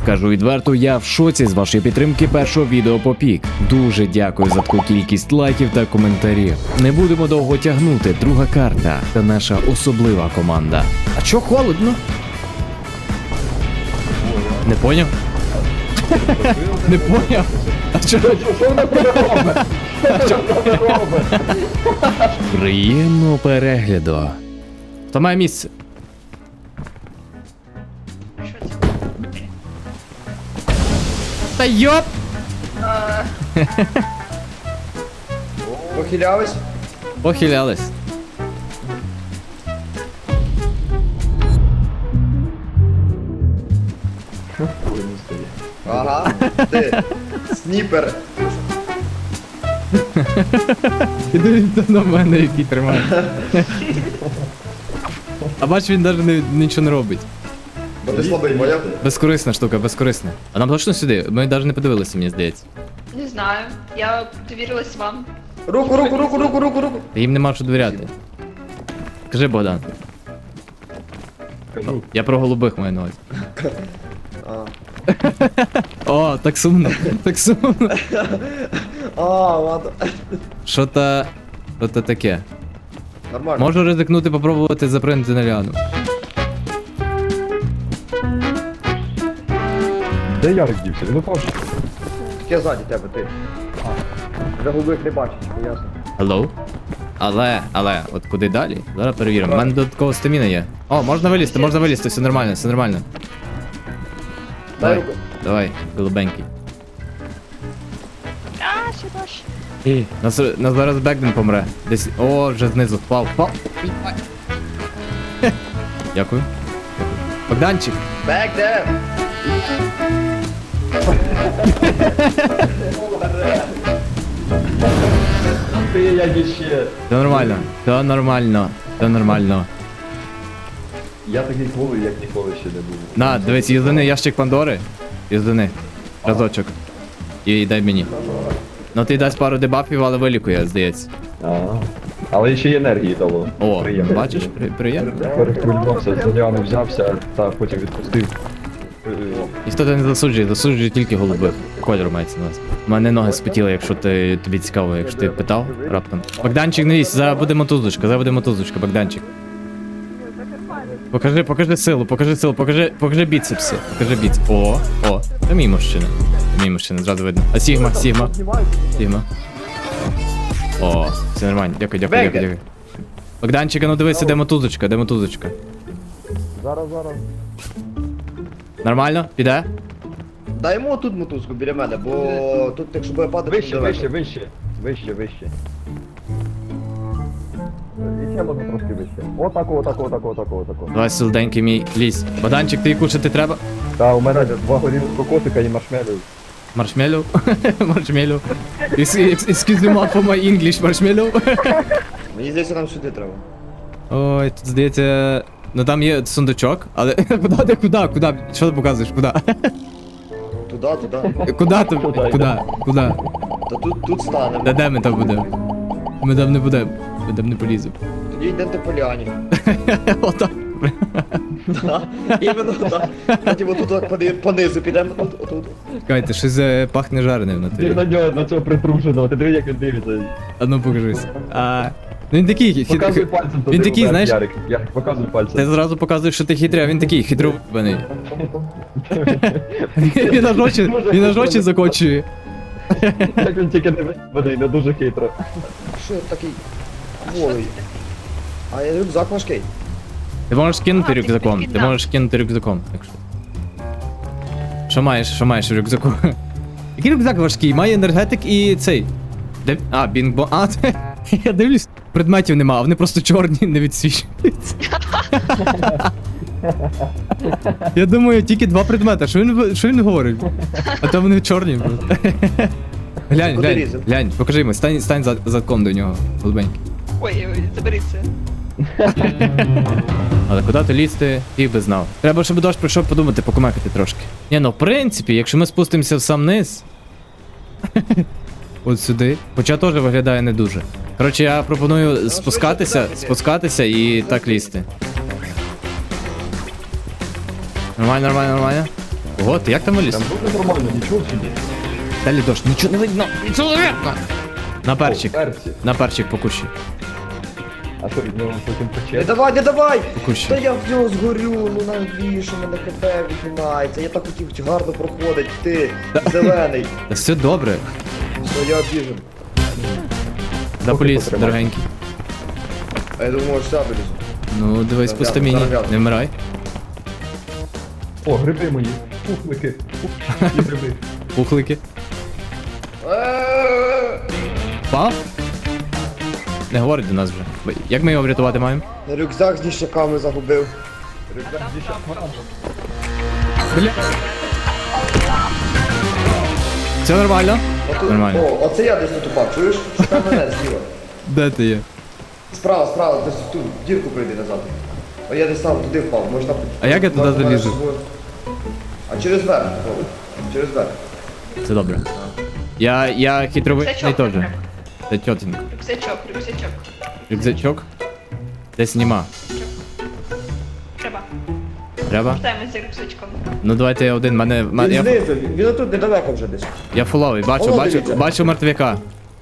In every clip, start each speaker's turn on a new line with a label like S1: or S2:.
S1: Скажу відверто, я в шоці з вашої підтримки першого відео по пік. Дуже дякую за таку кількість лайків та коментарів. Не будемо довго тягнути. Друга карта – це наша особлива команда. А чо холодно? Не поняв? Не поняв? А чого? Приємного перегляду. Хто має місце? Та йоп!
S2: Похилялись?
S1: Похилялись.
S2: Ага, ти, сніпер.
S1: І дивіться на мене, який тримає. А бач, він навіть нічого не робить.
S2: Бо ти слабий, поняв?
S1: Безкорисна штука, безкорисна. А нам точно сюди? Ми навіть не подивилися, мені здається.
S3: Не знаю, я довірилась вам.
S2: Руку.
S1: Їм нема що довіряти. Кажи, Богдан.
S2: Кажу.
S1: Я про голубих маю на увазі.
S2: А.
S1: О, так сумно, так сумно.
S2: Ладно.
S1: Що-то таке.
S2: Нормально.
S1: Можу ризикнути попробувати запринути на Ліану.
S4: Де Ярик дівся? Він упав.
S2: Я ззаді тебе, ти. Вже голубих не бачиш, ясно.
S1: Hello? Але, от куди далі? Зараз перевіримо. У мене додаткова стаміна є. О, можна вилізти, все нормально, все нормально.
S2: Дай
S1: Давай,
S2: руку.
S1: давай, голубенький.
S3: А, ще дощ.
S1: Нас зараз Бекден помре. Десь. О, вже знизу впав. Дякую. Богданчик.
S2: Back there.
S4: Ти як іще.
S1: Все нормально.
S4: Я такий кловий, як ніколи ще не був.
S1: На, дивись, їздини ящик Пандори. Їздини. Разочок. І дай мені. Ну ти дасть пару дебафів, але вилікує, здається.
S4: Але ще й енергії дало.
S1: О,
S4: Приємно.
S1: бачиш? Приємно.
S4: Перехвилювався, за Ліану взявся, та потім відпустив.
S1: Ніхто тебе не засуджує тільки голубих. Кольор мається на нас. У мене ноги спотіли, якщо тобі цікаво, якщо ти питав раптом. Богданчик, не лізь, зараз буде мотузочка, Богданчик. Покажи силу, покажи біцепси, О, це мій мужчина, зразу видно. А Сігма. О, все нормально, дякую. Богданчик, ну дивися, де мотузочка.
S4: Зараз.
S1: Нормально? Піде?
S2: Дай йому тут мотузку біля мене, бо тут якщо буде падати, то
S4: Вище.
S2: далеко.
S4: І ще можна трошки вище. Отако.
S1: Давай, солоденький мій, лізь. Богданчик, ти кушати треба?
S4: Та, у мене 2 горілих кокосика і маршмелів.
S1: Маршмеллоу? Маршмеллоу. Excuse me for my English, маршмеллоу.
S2: Мені здається, нам сюди треба.
S1: Ой, тут здається... Ну там є сундучок, але... Куди? Що ти показуєш? Куди?
S2: Туди.
S1: Куди?
S2: Та тут станемо.
S1: Де ми там будемо? Ми там не будемо. Ми там не поліземо.
S2: Тоді йдемо по поляні.
S1: Отак.
S2: Іменно так. Потім отут понизу підемо. Отут.
S1: Чекайте, щось пахне жареним на
S4: Ти
S1: тобі.
S4: на нього, на цього притрушеного, ти диви, як він дивиться.
S1: А ну покажись. Ну він такий,
S4: Показуй пальцем туди.
S1: він такий,
S4: вверх,
S1: знаєш...
S4: Ярик, показуй
S1: Ти
S4: пальцем.
S1: зразу показуєш, що ти хитрий, а він такий хитрований. Він аж очі закочує.
S4: Як він тільки не виспаний, не дуже хитро.
S2: Що я такий голий? А я рюкзак важкий.
S1: Ти можеш скинути
S3: А, ти
S1: рюкзаком. Ти
S3: підкидав.
S1: можеш кинути рюкзаком, якщо. Що маєш в рюкзаку? Який рюкзак важкий? Має енергетик і цей. Де... А, бінг-бон. А, я дивлюсь, предметів нема, а вони просто чорні, не відсвічуються. Я думаю, тільки 2 предмети. Що він говорить? А то вони чорні. Глянь, покажи йому, стань задком до нього, голубенький.
S3: Ой, заберіться.
S1: Але куди ти лізти, ти би знав. Треба, щоб дощ прийшов подумати, покумекати трошки. Ні, ну в принципі, якщо ми спустимося в сам низ. От сюди. Хоча теж виглядає не дуже. Коротше, я пропоную спускатися і так лізти. Нормально. Ого, ти як там виліз?
S4: Там буде нормально, нічого чи ні?
S1: Далі дощ, нічого не видно, нічого не видно. На перчик,
S4: О, перці.
S1: на перчик по кущі.
S4: А що від нього потім
S2: Не
S4: пече?
S2: давай, не давай!
S1: Кущі.
S2: Та я в нього згорю, ну навіщо мене КП віднімається? Я так хотів гарно проходить, ти, зелений.
S1: Та все добре.
S2: Все, я обіжен.
S1: Да поліз,
S4: потримай.
S1: дорогенький.
S2: А я думав, що я вилізу.
S1: Ну, дивись по стаміні,
S2: Зарав'яз.
S1: не вмирай.
S4: О, гриби мої. Пухлики. І гриби.
S1: Пухлики. Пав? Не говорить до нас вже. Як ми його врятувати маємо?
S2: Рюкзак з ніщаками загубив.
S1: Бля. Все нормально?
S2: Отут-
S1: Нормально.
S2: О, оце я десь тут упав, чуєш? Шукай мене зліва.
S1: Де ти є?
S2: Справа, десь в ту дірку прийди назад. О, я десь там туди впав, можна...
S1: А як я туди
S2: можна
S1: залізу?
S2: щось- А через верх, Вова. Через верх.
S1: Це добре. Я хитровидний
S3: Рюкзачок
S1: теж.
S3: треба.
S1: Це тьотенька.
S3: Рюкзачок.
S1: Рюкзачок? Десь нема.
S3: Треба.
S1: Треба?
S3: Вертаємось за рюкзачком.
S1: Ну давайте я один.
S2: Він
S1: Я
S2: знизу, він отут недалеко вже десь.
S1: фуловий,
S2: Воно дивіться.
S1: бачу мертвяка.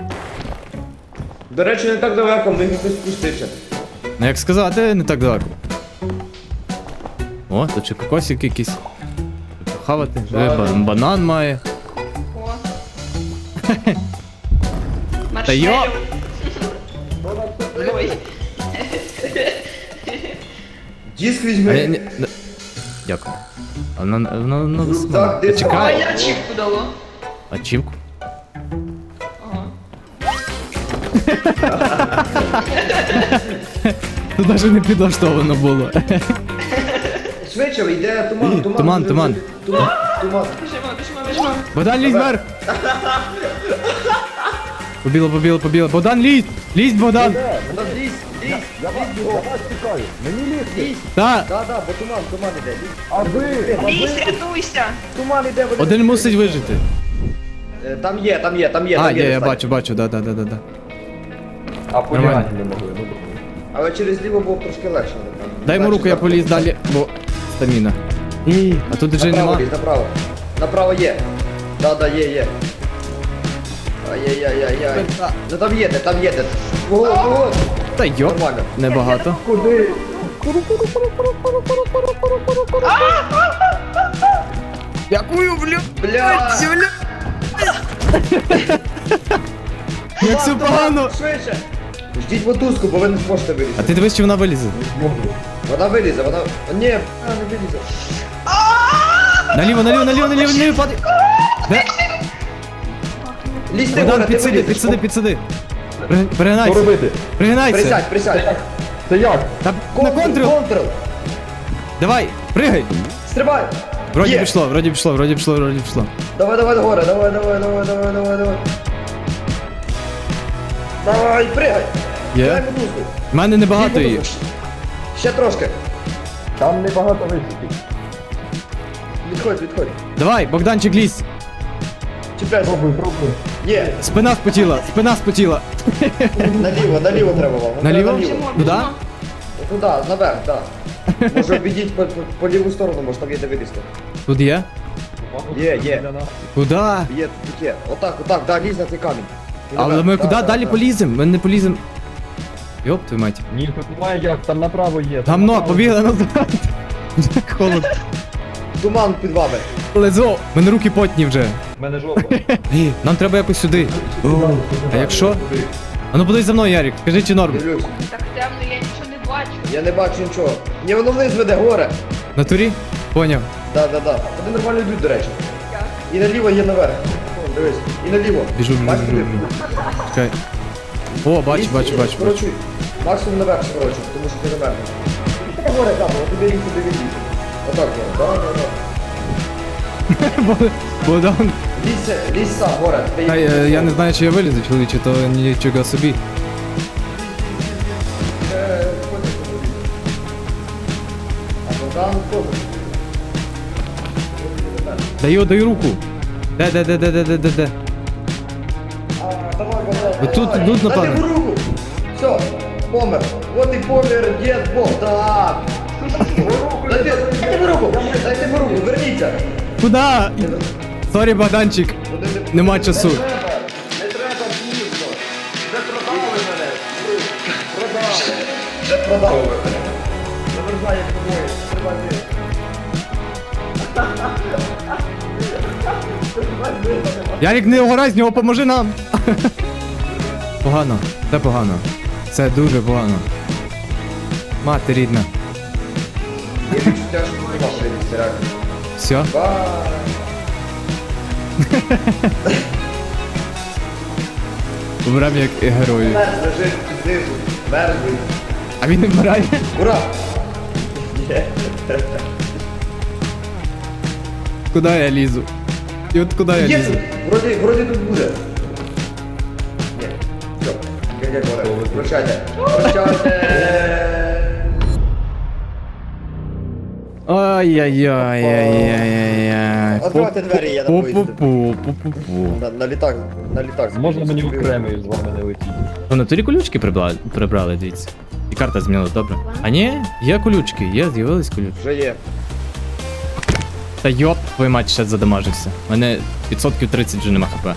S2: До речі, не так далеко, ми хтось спустився.
S1: Ну як сказати, не так далеко. О, тут ще кокосик якийсь. Хавати. Банан має.
S3: О.
S1: Та йо!
S3: Маршмеллоу. Ой.
S2: Диск
S1: А
S2: візьми.
S1: Дякую. А воно
S2: Рюкзак, десь-
S3: А
S1: Чекай.
S3: я чіпку дало.
S1: Ачівку?
S3: Ага.
S1: Тут навіть не підлаштовано було.
S2: Швидше, йде туман,
S1: Туман.
S2: Туман.
S3: Біжимо.
S1: Богдан, лізь вверх! Побіло. Богдан, лізь! Лізь, Богдан!
S2: Вона лізь.
S4: Я вас чекаю. Мені лізти.
S1: Та!
S2: Да, бо туман іде. Лізь.
S4: А ви?
S3: Лізь, рятуйся.
S2: Туман іде, вони-
S1: Один мусить вижити.
S2: Там є.
S1: А, є, я
S2: достатньо.
S1: бачу, да.
S4: А по
S1: Нормально.
S4: не могли. Ну, добре.
S2: Але через ліво було трошки легше. напевно.
S1: Дай йому
S2: Легше
S1: руку, я
S2: так.
S1: поліз далі, бо стаміна. А тут вже
S2: Направо
S1: нема.
S2: лізь, направо. Направо є. Да, є. Ай-яй-яй-яй-яй. Ну там є. Ого.
S1: Та йоп,
S2: Нормально.
S1: небагато.
S4: Куди?
S1: Дякую, бля.
S2: Бля.
S1: Як все погано.
S2: Швидше. Ждіть мотузку, бо ви не зможете
S1: А
S2: вилізти.
S1: ти дивись, чи вона вилізе.
S2: Вона вилізе, вона... Ні, вона не вилізе.
S1: Наліво, падай. Де?
S2: Лізь ти,
S1: Богдан,
S2: Гора, ти вилізеш.
S1: підсиди.
S4: Що
S1: Пригинайся.
S4: робити?
S1: Пригинайся.
S2: Присядь.
S4: Це як?
S1: Та на контрол.
S2: Контрол.
S1: Давай, пригай.
S2: Стрибай.
S1: Вроді
S2: Є.
S1: пішло.
S2: Давай, Гора, давай. Давай, пригай. Дай
S1: Є.
S2: мотузку.
S1: В мене небагато її.
S2: Ще трошки.
S4: Там небагато високих.
S2: Відходь.
S1: Давай, Богданчик, лізь.
S2: Чіпляйся.
S4: Пробуй.
S2: Є.
S1: Спина спотіла.
S2: Наліво треба вам.
S1: Наліво?
S3: Біжимо.
S1: Туди?
S2: Туди, наверх, так. Може обійдіть по ліву сторону, може там є де вилізти.
S1: Тут є?
S2: Є.
S1: Куди?
S2: Є, тут є. Отак, да, лізь на цей камінь. І
S1: Але
S2: наверх.
S1: ми
S2: Да,
S1: куди
S2: да,
S1: далі
S2: да.
S1: поліземо? Ми не поліземо. Йоп, твою мать.
S4: Ні, тут немає як, там направо є.
S1: Гамно,
S4: направо.
S1: побігли назад. Як холодно.
S2: Туман під вами.
S1: Лезо, в мене руки потні вже.
S4: В мене жопа.
S1: Нам треба якось сюди. А якщо? А ну подивись за мною, Ярик, скажи, чи норм.
S2: Дивлюсь.
S3: Так темно, я нічого не бачу.
S2: Я не бачу нічого. Ні, воно вниз веде, горе.
S1: На турі? Поняв.
S2: Да. Вони нормально йдуть, до речі. І наліво є наверх. О, дивись. І наліво.
S1: Біжу.
S2: Бачите?
S1: Чекай. О, бачу.
S2: Скорочуй. Максимум наверх скорочуй, тому що ти наверх. Та горе, там, от тобі лізь, тобі лізь. Отак, горе, да.
S1: Богдан.
S2: Лізь сам, горе.
S1: Я не знаю, чи я вилізу, чоловіче, то нічого собі.
S2: Там теж.
S1: Даю руку. Де?
S2: Давай,
S1: Вот тут, напевно.
S2: Дайте йому руку. Все, помер. От і помер дід Богдан. Дайте йому руку, верніться.
S1: Куда? Сорі, Богданчик. Нема часу.
S2: Не треба дійсно. Вже продали мене. Продали. Вже продали мене. Замерзає тобою. Треба ти.
S1: Ярик, не огорай з нього, поможи нам. Погано, це погано. Це дуже погано. Мати рідна.
S2: Я відчуття, що не вам прийдеться, реально.
S1: Все?
S2: Бай.
S1: Вмрем як герої.
S2: Мерз лежить знизу. Мерзлий.
S1: А він не вмирає.
S2: Ура! Є.
S1: Куди я лізу? І от куди я
S2: Є
S1: лізу?
S2: тут. Вроді тут буде. Ні. Все. Як говорить. Прощайте. Прощайте.
S1: Ай-яй-яй-яй-яй-яй.
S2: Откривайте двері, я на поїзді.
S1: Пу-пу-пу-пу-пу.
S2: На літак. На літак.
S4: Можна мені
S2: собі.
S4: окремо з вами не летіти?
S1: Вони тоді колючки прибрали, дивіться. І карта змінилась, добре. А ні, є колючки, з'явились колючки.
S2: Вже є.
S1: Та йоп, твою мать ще задамажився. У мене 30% вже нема хп.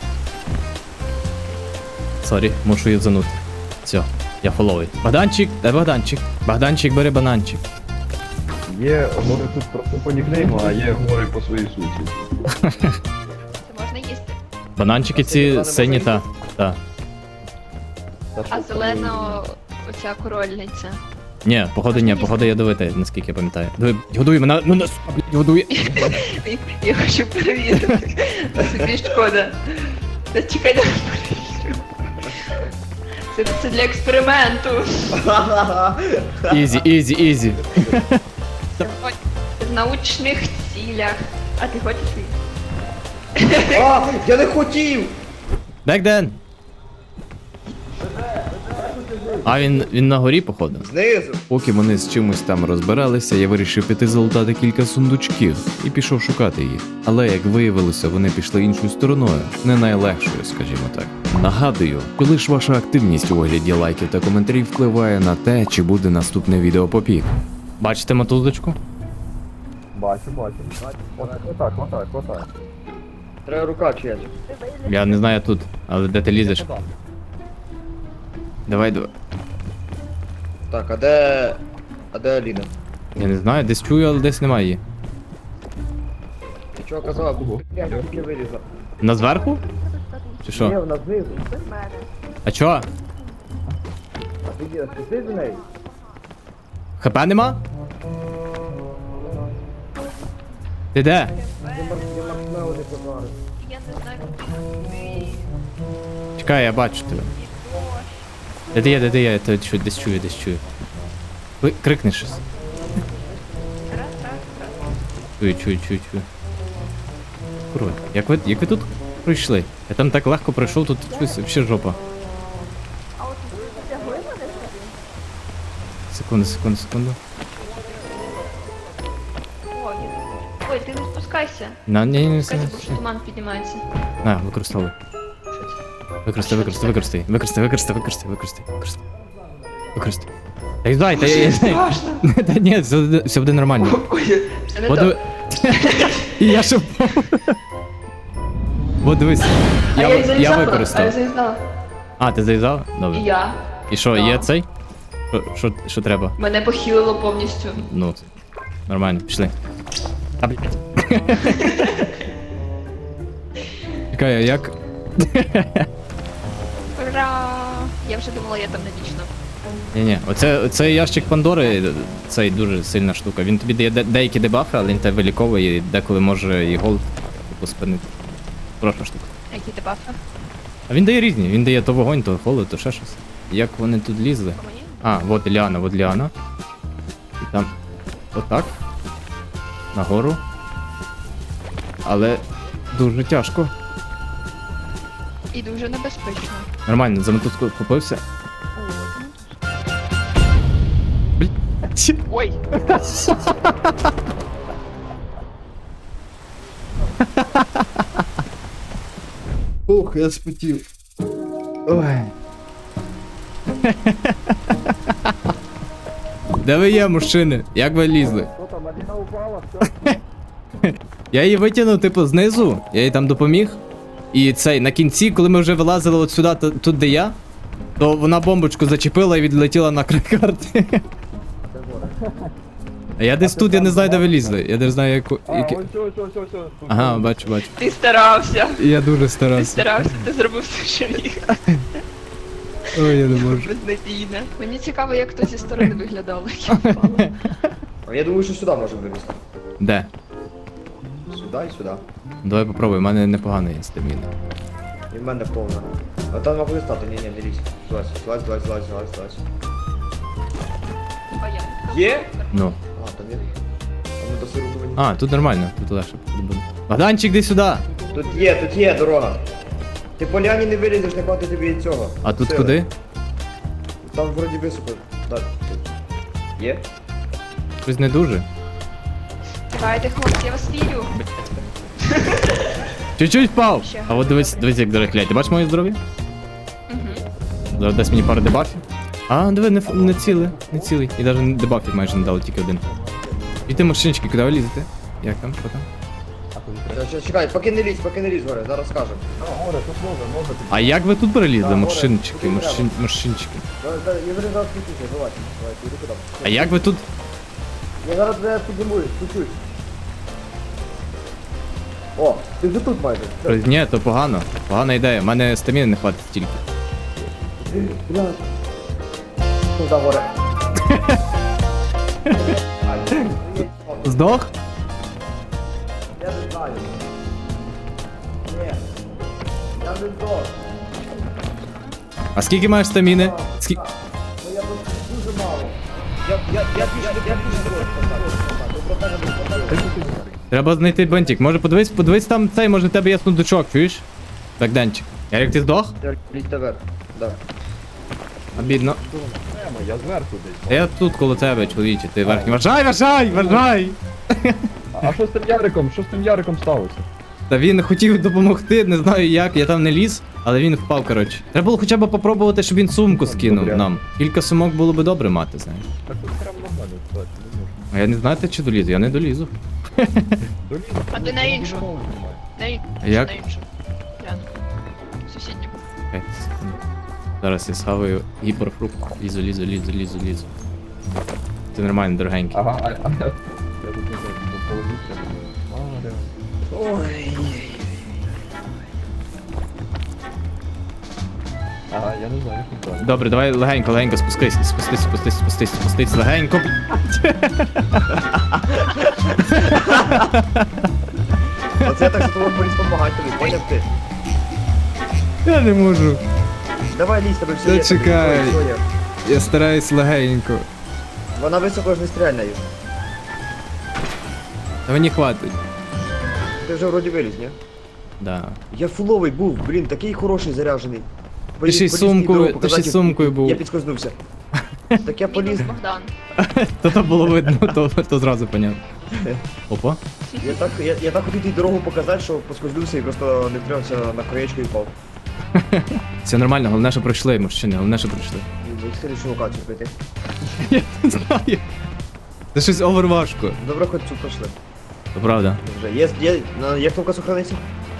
S1: Сорі, мушу юзанути. Все, я фоловий. Богданчик, де Богданчик? Богданчик, бери бананчик.
S4: Є, може тут просто по нікнейму, а є гори по своїй суті.
S3: Це можна їсти.
S1: Бананчики ці сині та. Та.
S3: А зелена оця корольниця.
S1: Ні, походу ядовита, наскільки я пам'ятаю. Диви, годуй мене, ну нас, блядь, годує.
S3: Я хочу перевірити. Собі шкода. Та чекай, дай перевірю. Це для експерименту.
S1: Ізі, ізі, ізі.
S3: В научних цілях. А ти хочеш її?
S2: А, я не хотів!
S1: Бекден! А він на горі, походу.
S2: Знизу.
S1: Поки вони з чимось там розбиралися, я вирішив піти залутати кілька сундучків і пішов шукати їх. Але як виявилося, вони пішли іншою стороною, не найлегшою, скажімо так. Нагадую, коли ж ваша активність у вигляді лайків та коментарів впливає на те, чи буде наступне відео по пік. Бачите мотузочку?
S4: Бачу. Отак.
S2: Треба рука чиясь.
S1: Я не знаю тут, але де ти лізеш? Давай.
S2: Так, а де... А де Аліна?
S1: Я не знаю, десь чую, але десь немає її.
S2: Ти чого казала? Я тільки вилізла.
S1: На зверху? Чи
S2: Ні,
S1: що?
S2: вона знизу.
S1: А чо?
S2: А ти за нею?
S1: ХП нема? Ти де?
S3: Я не знаю, куди.
S1: Чекай, я бачу тебе. Де ти є? Я тебе десь чую. Крикни щось. Чую. Курва, як ви тут пройшли? Я там так легко пройшов, тут щось вообще жопа. Секунду.
S3: Ой, ти не спускайся.
S1: Ні.
S3: Спускайся, бо що туман піднімається.
S1: На, використовуй. Використай. Та й та я.
S3: Страшно.
S1: Та ні, все буде нормально.
S3: Ой, це не
S1: От
S3: то.
S1: диви- І я ще впав. От дивись,
S3: А я
S1: я
S3: заїжджала,
S1: використав. А, ти заїзав? Добре.
S3: І я.
S1: І що,
S3: Да.
S1: є цей? Що треба?
S3: Мене похилило повністю.
S1: Ну, нормально, пішли. А, блядь. Чекай, а як?
S3: Ура! Я вже думала, я там не вічно.
S1: Ні, оцей ящик Пандори, цей дуже сильна штука. Він тобі дає деякі дебафи, але він тебе виліковує і деколи може і голд типу спинити. Хороша штука.
S3: Які ти бафи?
S1: А він дає різні, він дає то вогонь, то холод, то ще щось. Як вони тут лізли?
S3: По мені?
S1: А, вот Ліана. І там отак. Нагору. Але дуже тяжко.
S3: І дуже небезпечно.
S1: Нормально, за мотузку купився. Блять.
S3: Ой!
S2: Ух, я спотів. Ой.
S1: Де ви є, мужчини? Як ви лізли?
S2: Що там, Аліна упала? Все?
S1: Я її витягнув, типу, знизу, я їй там допоміг. І цей, на кінці, коли ми вже вилазили от сюди, тут де я, то вона бомбочку зачепила і відлетіла на край карти. А я десь тут, я не знаю, де вилізли. Я не знаю, яку.
S4: А, ось, ось.
S1: Ага, бачу.
S3: Ти старався.
S1: Я дуже
S3: Ти
S1: старався.
S3: старався, ти зробив все, що міг.
S1: Ой, я не можу.
S3: Безнадійне. Мені цікаво, як то зі сторони виглядало, як я впала.
S2: А я думаю, що сюди можемо вилізти.
S1: Де?
S2: Сюди і сюди.
S1: Давай попробуй, в мене непогано є стаміна.
S2: І в мене повна. А там могли стати, ні, не лізь. Злазь.
S3: А я.
S2: Є?
S1: Ну.
S2: А, там є. Там не досиру мені.
S1: А, тут нормально, тут легше буде. Богданчик, іди сюди.
S2: Тут є дорога. Ти по ляні не вилізеш, не хватить тобі і цього.
S1: А тут
S2: Сили.
S1: куди?
S2: Там вроді високо. Так. Є?
S1: Щось не дуже.
S3: Давайте, хлопці, я вас вірю.
S1: Чуть-чуть впав.
S3: Ще.
S1: А от дивись, як дорохлять. Ти бачиш моє здоров'я?
S3: Угу.
S1: Зараз дасть мені пару дебафів. А, диви, не цілий. І навіть дебафів майже не дали, тільки один. І ти машинчики, куди ви лізете? Як там? Що там?
S2: Чекай, поки не лізь, горе, зараз скажемо.
S4: А, горе, тут може.
S1: А як ви тут перелізли?
S2: Да,
S1: Машинчики,
S2: горе, тут
S1: машинчики.
S2: Я зараз підключусь, давай, іди куди.
S1: А як ви тут?
S2: Я зараз тебе піднімуюсь, чуть-чуть. О, ти вже тут майже. Все.
S1: Ні, то погано. Погана ідея. У мене стаміни не хватить стільки.
S2: Блядь. Ну, да, горе.
S1: Здох?
S2: Я не знаю. Ні. Я не здох.
S1: А скільки маєш стаміни? Скільки?
S2: Ну я тут дуже мало. Я
S1: Треба знайти бентик. Може подивись там цей, може в тебе є сундучок, чуєш? Богданчик. Ярик, ти здох?
S2: Лізьте вверх. Да.
S1: Обідно.
S4: Прямо, я зверху десь.
S1: Я тут коло тебе, чоловіче, ти верхній. Вважай!
S4: А що з тим Яриком? Що з тим Яриком сталося?
S1: Та він хотів допомогти, не знаю як, я там не ліз, але він впав, коротше. Треба було хоча б попробувати, щоб він сумку скинув
S4: Добре.
S1: нам. Кілька сумок було би добре мати, знаєш.
S4: Так тут прямо нормально, кстати, не можу.
S1: А я не знаю, чи долізу, я не долізу.
S4: Долізь.
S3: А ти на іншу.
S4: Немає.
S3: На
S1: Як?
S3: іншу. Гляну. Сусідню.
S1: 5 секунд. Зараз я схаваю гіперфрукт. Лізу. Це нормально, дорогенький.
S4: Ага, я тут не знаю, положився.
S2: Ой.
S4: Ага, я не знаю, як тут далі.
S1: Добре, давай легенько, спустись, легенько.
S2: Оце я так за тобою поліз помагати тобі, поняв ти?
S1: Я не можу.
S2: Давай лізь, тебе все
S1: Та
S2: є. тобі
S1: чекай.
S2: все є.
S1: Я стараюсь легенько.
S2: Вона високо ж не стріляє нею.
S1: Та мені хватить.
S2: Ти вже вроді виліз, ні?
S1: Да.
S2: Я фуловий був, блін, такий хороший заряджений.
S1: Ти ще й
S2: Поліз мені дорогу
S1: ти ще й
S2: показати,
S1: сумкою був.
S2: Я підскользнувся. Так я поліз.
S3: Мінус Богдан.
S1: То було видно, то зразу понятно. Опа.
S2: Я так хотів їй дорогу показати, що поскользнувся і просто не втримався на краєчку і впав.
S1: Все нормально, головне, що пройшли, мужчини, головне, що пройшли.
S2: Як слідчу локацію прийти.
S1: Я не знаю. Це щось оверважко.
S2: Добре, хоч цю пройшли.
S1: То правда.
S2: Вже є кнопка сохраниться?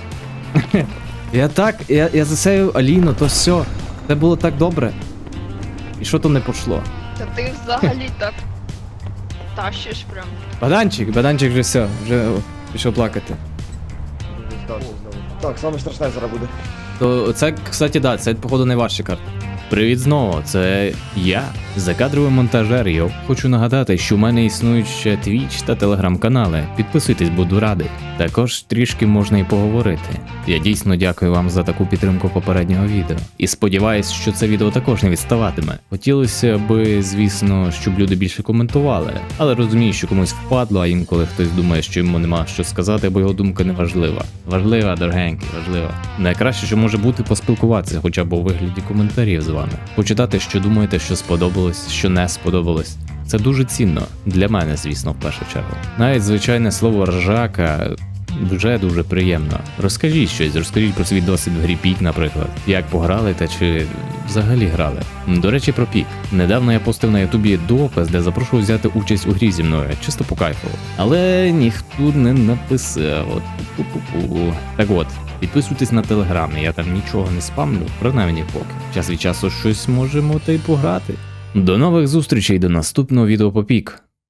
S1: Я засеяв Аліну, то все. Це було так добре. І що то не пішло?
S3: Та ти взагалі так тащиш прям.
S1: Баданчик вже все, вже пішов плакати.
S2: Здався знову. Так, саме страшне зараз буде.
S1: То це, кстати, да, це походу найважча карта. Привіт знову, це я, закадровий монтажер. Я хочу нагадати, що в мене існують ще Twitch та телеграм-канали. Підписуйтесь, буду радий. Також трішки можна і поговорити. Я дійсно дякую вам за таку підтримку попереднього відео. І сподіваюсь, що це відео також не відставатиме. Хотілося би, звісно, щоб люди більше коментували, але розумію, що комусь впадло, а інколи хтось думає, що йому нема що сказати, бо його думка не важлива. Важлива, дорогенький, важлива. Найкраще, що може бути, поспілкуватися, хоча б у вигляді коментарів з вами. Почитати, що думаєте, що сподобалось, що не сподобалось. Це дуже цінно. Для мене, звісно, в першу чергу. Навіть звичайне слово ржака вже дуже приємно. Розкажіть щось, розкажіть про свій досвід в грі Пік, наприклад. Як пограли та чи взагалі грали. До речі, про Пік. Недавно я постив на Ютубі допис, де запрошував взяти участь у грі зі мною, чисто по кайфу. Але ніхто не написав. От, пу-пу-пу. Так от, підписуйтесь на Телеграм, я там нічого не спамлю, принаймні поки. Час від часу щось можемо та й пограти. До нових зустрічей, до наступного відео по Пік.